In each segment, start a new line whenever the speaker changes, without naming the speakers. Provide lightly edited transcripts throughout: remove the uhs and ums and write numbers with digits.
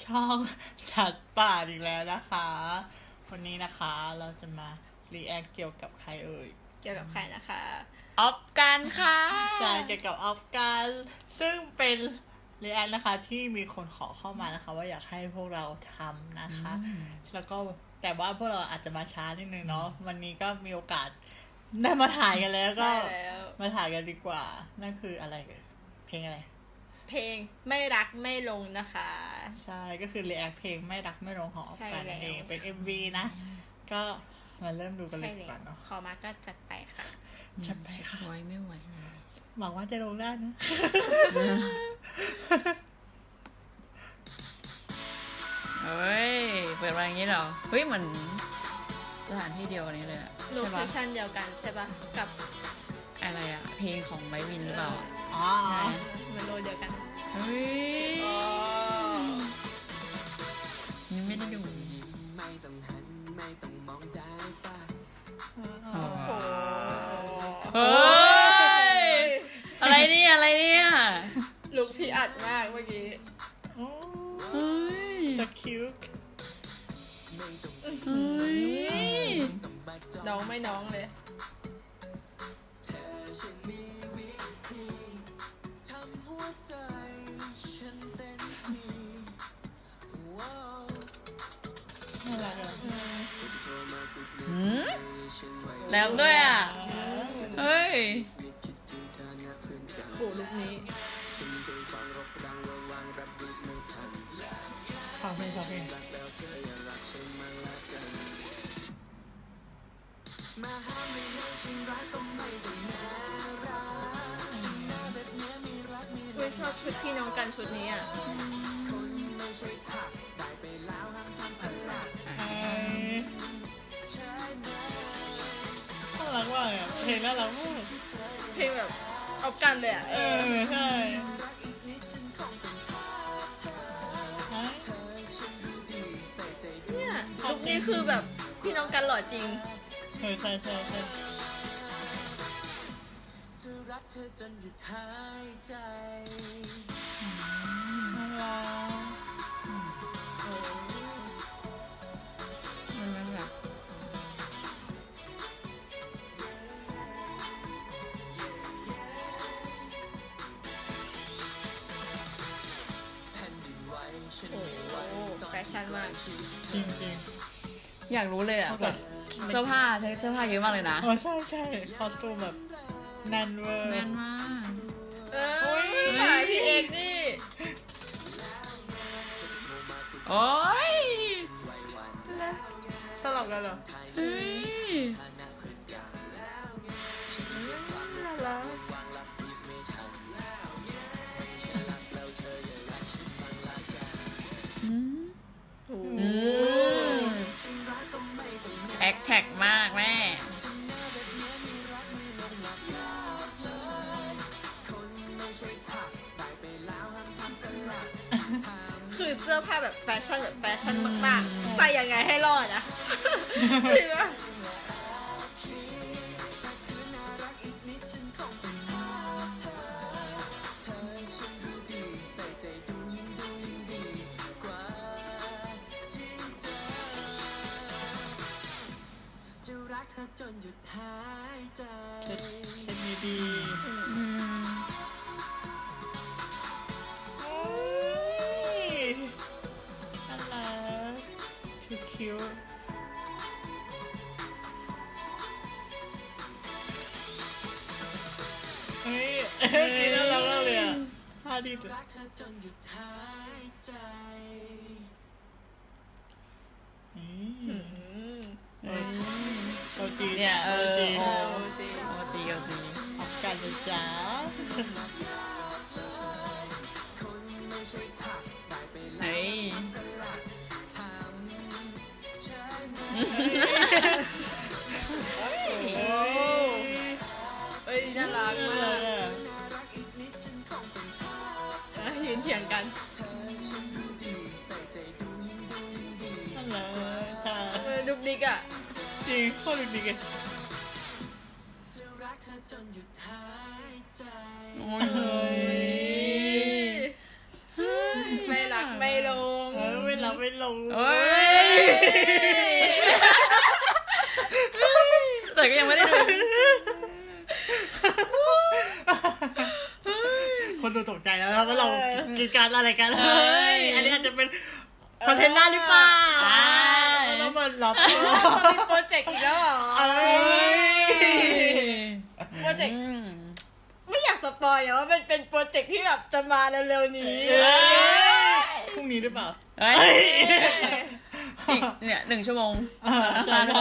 ช่องจัดป่าอีกแล้วนะคะวันนี้นะคะเราจะมารีแอคเกี่ยวกับใครเอ่ย
เกี่ยวกับใครนะคะ
ออฟกันค่ะ
ใช่เกี่ยวกับออฟกันซึ่งเป็นรีแอคนะคะที่มีคนขอเข้ามานะคะว่าอยากให้พวกเราทำนะคะแล้วก็แต่ว่าพวกเราอาจจะมาช้านิดนึงเนาะวันนี้ก็มีโอกาสได้มาถ่ายกันแล้วก็มาถ่ายกันดีกว่านั่นคืออะไรกันเพลงอะไร
เพลงไม่รักไม่ลงนะคะ
ใช่ก็คือรีแอคเพลงไม่รักไม่ลงของออฟกันเองเป็น MV นะก็มาเริ่มดูกันเลยดีกว่าเนาะ
ขอมาก็จัดไปค่ะ
จัดไปค่ะ
ไว้ไม่ไหวเลย
หวังว่าจะลงได้นะ
เฮ้ยเปิดมาอย่างนี้เหรอเฮ้ยเหมือนสถานที่เดียวกันนี้เลย
โลเคชั่นเดียวกันใช่ปะกับ
อะไรอะเพลงของไบวินหรือเปล่า
อ๋อ
มันโลเดียวกัน
เฮ้ยนี่ไม่ได้ดูไม่ต้องหันไม่ต้องมองได้ป่ะเฮ้ยอะไรเนี่ยอะไรเนี่ย
ลุกพี่อัดมากเมื่อกี้
เฮ้ย
สคิว
เฮ้ย
น้องไม่น้องเลย
แล้วด้วยอ่ะเฮ้ย
โหลุกนี้
ฟังเพลงฟังเพลง
ชอบชุดพี่น้องกันชุดนี้อ่ะ
น่ารักมากอ่ะเพลงน่ารักมาก
เพลงแบบเอากันเลยอ่ะ
ใช่
เนี่ยลุคนี้คือแบบพี่น้องกันหล่อจริง
ใช่ใช่ใช่ใช่
จะรักเธอจนหยุดหายใจ
น่ารัก
มันแบบ
แฟชั่นมาก
จริงจริง
อยากรู้เลยอ่ะแบบเสื้อผ้าใช้เสื้อผ้าเยอะมากเลยนะ
ใช่ใช่คอสตูมแบบแน่นเวอร์
แน่นมาก
ถ่ายพี่เอกนี่
โอ้ย
สลับกันเหรอ
เฮ้ย
น่ารัก
แอคแท็กมากแม่
คือเสื้อผ้าแบบแฟชั่นมากๆใส่ยังไงให้รอดอะจริงปะ
จนหยุดหายใจ
เช็ดดีน่ารักคิวคิวเฮ้ยกินน่ารักมากเลยอ่ะท่าดี
รักเธอจนหยุดหายใจ
โอจี
เนี่ย
โอจี
อ
อกกันเลยจ้า
เฮ้ย
น่ารักมากยืนเฉียงกัน
น่ารัก
ดุกดิกอ่ะ
จริงโคตรดุกดิกเลย
โอ้ย
ไม่รักไม่ลง
ไม่ลง
โอ้ยแต่ก็ยังไม่ได้ดู
คนดูตกใจแล้วนะว่าเรากินการอะไรกันเฮ้ยอันนี้อาจจะเป็นคอนเทนต์หน้าหรือเปล่าแล้วมันรับ
จะมีโปรเจกต์อีกแล้วเหรอโปรเจกต์ไม่อยากสปอยนะว่ามันเป็นโปรเจกต์ที่แบบจะมาเร็วๆนี้
พรุ่งนี้หรือเปล่า
เฮ้ยอีกเนี่ย1 ชั่วโมง
ใช่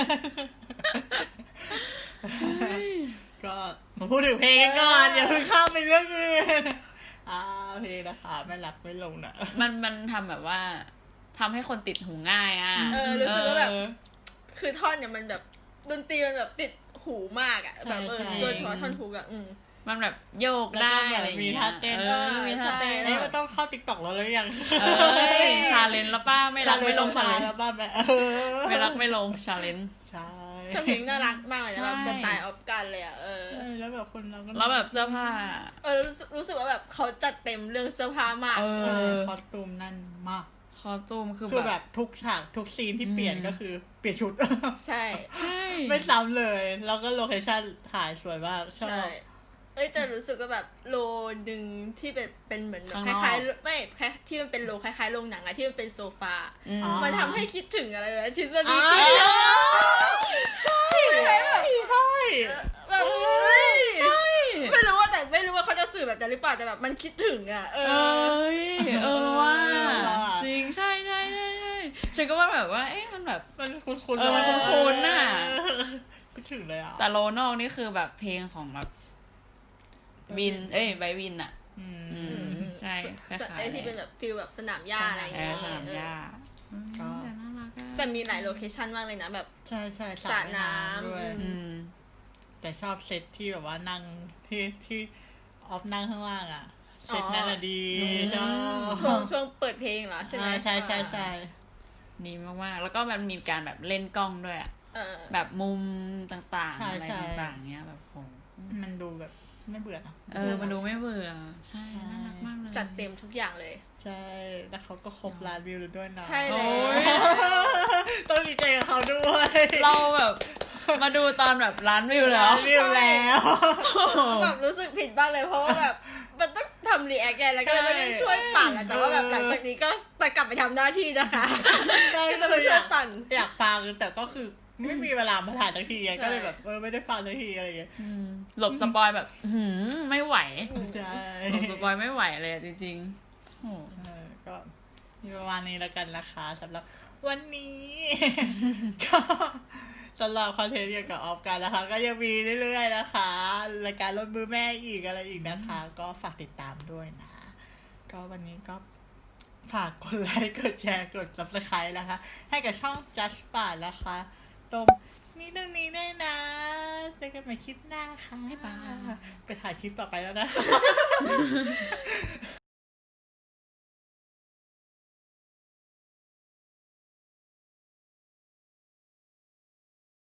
ก็มาพูดถึงเพลงกันก่อนอย่าเพิ่งข้ามไปเรื่องอื่นเพลงนะคะไม่รักไม่ลงนะ
มันทำแบบว่าทำให้คนติดหูง่ายอ่ะ
รู้สึกว่าแบบคือท่อนเนี่ยมันแบบดนตรีมันแบบติดหูมากอ่ะแบบโดยเฉพาะท่อนฮุกอ่ะ
มันแบบโยกได้อะไรอย่าง
มี
เงี้ย
ท่าเต้น
มีท่าเต้น
เอ้ยมันต้องเข้าติ๊กต็อกแล้วหรือยัง
ชาเลนจ์แล้วป้าไม่รักไม่ลงชาเลนจ์
แล้วบ้าน
ไม่รักไม่ลงชาเลนจ์
ใช่
แต่เพลงน่ารักมากเลยนะ
ใช่
แบบสไตล์ออฟกันเลยอ่ะ
แล้วแบบคนเราก็
แล้วแบบเสื้อผ้า
รู้สึกว่าแบบเขาจัดเต็มเรื่องเสื้อผ้ามาก
คอสตูมนั่นมาก
คอสตูมคือ
คือ
แบ
แบบ บทุกฉากทุกซีนที่เปลี่ยนก็คือเปลี่ยนชุด
ใช่
ใช่
ไม่ซ้ำเลย แล้วก็โลเคชั่นถ่ายสวยมากชอ
ใช่
บ
แต่รู้สึกว่าแบบโลนึงที่เป็นเหมือนแบบคล้ายๆไม่แค่ที่มันเป็นโลคล้ายๆโรงหนังอะที่มันเป็นโซฟา มันทำให้คิดถึงอะไรแบบทฤษฎีจริงใช่ไหมแบบ
ใช่
แบบใช่ไม่รู้ว่าเขาจะสื่อแบบนั้นหรือเปล่าแต่แบบมันคิดถึงอ่ะ
ว่าจริงใช่ฉันก็ว่าแบบว่าเอ๊ะมันแบบ
มันคุ้นๆ
มันคุ้นๆน่ะ
คิดถึงเลยอ่ะ
แต่โลนอกนี่คือแบบเพลงของแบบวินไบวินอ่ะใช่คล้ายๆ
ไอ้ที่เป็นแบบฟิลแบบสนามหญ้าอะไรอย่างเงี้ย
สนามหญ้าแต่น่ารักอะ
แต่มีหลายโลเคชั่นมากเลยนะแบบ
ใช่ส
ส
ระ
ระน้ำ
ด้วยแต่ชอบเซตที่แบบว่านั่งที่ออฟนั่งข้างล่างอ่ะเซตนั่นแหละดีชอบ
ช่วงเปิดเพลงเหรอใช่ไหม
ใช่
ดีมากๆแล้วก็มันมีการแบบเล่นกล้องด้วยอะแบบมุมต่างๆอะไรต่างๆเงี้ยแบบโห
มันดูแบบไม่เบื่อนะ
มันดูไม่เบื่อใช่น่ารักมากเลย
จัดเต็มทุกอย่างเลย
ใช่แล้วเขาก็ครบล้านวิวด้วยนะ
ใช่เลย
ต้องดีใจกับเขาด้วย
เราแบบมาดูตอนแบบล้านวิวแล้ว
วิวแล้ว
แบบรู้สึกผิดบ้างเลยเพราะว่าแบบมันต้องทำรีแอคไงแล้วก็เลยไม่ได้ช่วยปั่นอะแต่ว่าแบบหลังจากนี้ก็จะกลับไปทำหน้าที่นะคะ
ใช่
ก็จะไปช่วยปั่น
อยากฟังแต่ก็คือไม่มีเวลามาถ่ายสักทีไงก็เลยแบบไม่ได้ฟังสักทีอะไรอย่างเงี้ย
หลบสปอยแบบไม่ไหว
ใช่
หลบสปอยไม่ไหวเลยจริงๆโอ้
ก็มีประมาณนี้แล้วกันนะคะสำหรับวันนี้ ก็สำหรับคอนเทนต์เกี่ยวกับออฟกันนะคะ ก็ยังมีเรื่อยๆนะคะรายการรถมือแม่อีกอะไรอีกนะคะ ก็ฝากติดตามด้วยนะ ก็วันนี้ก็ฝากกดไลค์กดแชร์กด Subscribe นะคะ ให้กับช่อง Just Part นะคะ ตรงนี้ด้วยนะเจอกันใหม่คลิปหน้าค่ะ
บ๊ายบาย
ไปถ่ายคลิปต่อไปแล้วนะ